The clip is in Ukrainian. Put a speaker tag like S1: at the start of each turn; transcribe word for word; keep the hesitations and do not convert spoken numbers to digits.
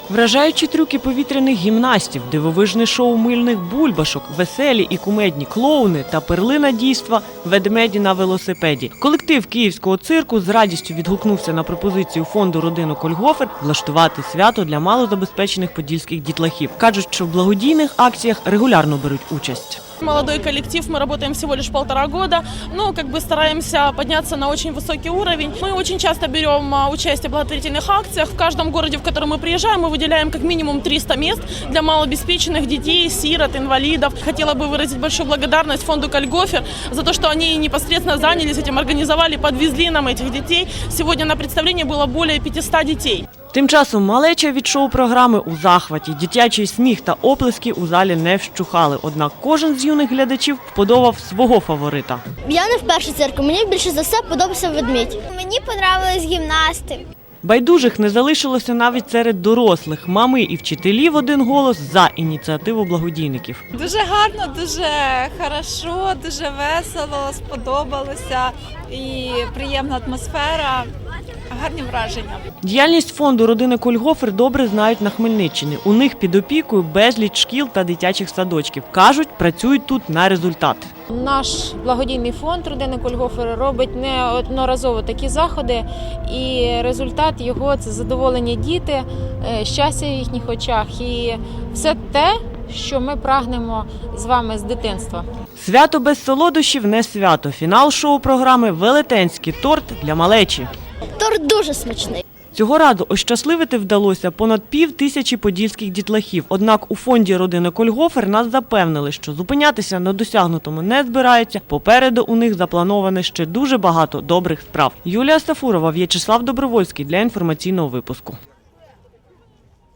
S1: Вражаючі трюки повітряних гімнастів, дивовижне шоу мильних бульбашок, веселі і кумедні клоуни та перлина дійства «Ведмеді на велосипеді». Колектив київського цирку з радістю відгукнувся на пропозицію фонду «Родина Кольгофер» влаштувати свято для малозабезпечених подільських дітлахів. Кажуть, що в благодійних акціях регулярно беруть участь.
S2: Молодой коллектив, мы работаем всего лишь полтора года, но как бы стараемся подняться на очень высокий уровень. Мы очень часто берем участие в благотворительных акциях. В каждом городе, в который мы приезжаем, мы выделяем как минимум триста мест для малообеспеченных детей, сирот, инвалидов. Хотела бы выразить большую благодарность фонду Кольгофер за то, что они непосредственно занялись этим, организовали, подвезли нам этих детей. Сегодня на представлении было более пятисот детей.
S1: Тим часом малеча від шоу-програми у захваті. Дитячий сміх та оплески у залі не вщухали. Однак кожен з юних глядачів вподобав свого фаворита.
S3: Я не вперше цирку, мені більше за все подобався ведмідь. Мені подобались гімнасти.
S1: Байдужих не залишилося навіть серед дорослих. Мами і вчителі в один голос за ініціативу благодійників.
S4: Дуже гарно, дуже хорошо, дуже весело, сподобалося і приємна атмосфера. Гарні враження.
S1: Діяльність фонду «Родини Кольгофер» добре знають на Хмельниччині. У них під опікою безліч шкіл та дитячих садочків. Кажуть, працюють тут на результат.
S5: Наш благодійний фонд «Родини Кольгофер» робить неодноразово такі заходи, і результат його – це задоволені діти, щастя в їхніх очах і все те, що ми прагнемо з вами з дитинства.
S1: Свято без солодощів не свято. Фінал шоу-програми – велетенський торт для малечі.
S3: Торт дуже смачний.
S1: Цього разу ощасливити вдалося понад пів тисячі подільських дітлахів. Однак у фонді «Родини Кольгофер» нас запевнили, що зупинятися на досягнутому не збираються. Попереду у них заплановане ще дуже багато добрих справ. Юлія Сафурова, В'ячеслав Добровольський для інформаційного випуску.